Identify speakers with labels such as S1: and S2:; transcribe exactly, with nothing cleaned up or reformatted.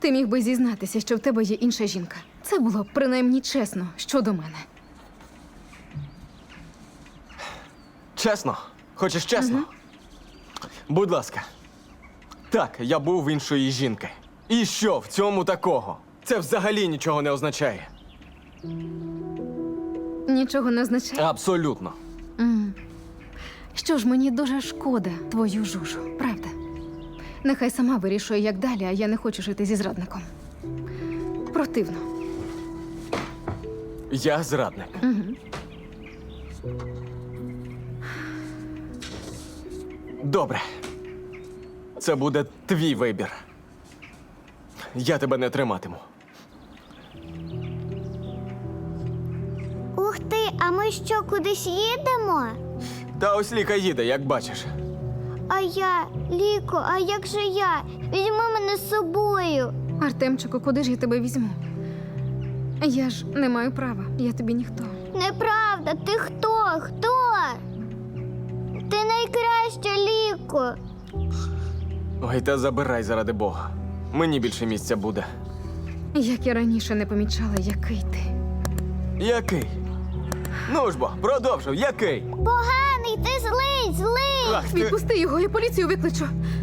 S1: Ти міг би зізнатися, що в тебе є інша жінка. Це було б принаймні чесно щодо мене.
S2: Чесно? Хочеш чесно?
S1: Угу.
S2: Будь ласка. Так, я був в іншої жінки. І що в цьому такого? Це взагалі нічого не означає.
S1: Нічого не означає.
S2: Абсолютно.
S1: М. Що ж, мені дуже шкода твою Жужу, правда? Нехай сама вирішує, як далі, а я не хочу жити зі зрадником. Противно.
S2: Я зрадник.
S1: Угу.
S2: Добре. Це буде твій вибір. Я тебе не триматиму.
S3: Ух ти, а ми що, кудись їдемо?
S2: Та ось Ліка їде, як бачиш.
S3: А я, Ліко, а як же я? Візьми мене з собою.
S1: Артемчику, куди ж я тебе візьму? Я ж не маю права, я тобі ніхто.
S3: Неправда, ти хто? Хто? Ти найкраща, Ліко.
S2: Ой, та забирай заради Бога. Мені більше місця буде.
S1: Як я раніше не помічала, який ти.
S2: Який? Ну ж бо, продовжуй, який?
S3: Поганий, ти злий, злий.
S2: Ах, ти...
S1: Відпусти його, я поліцію викличу.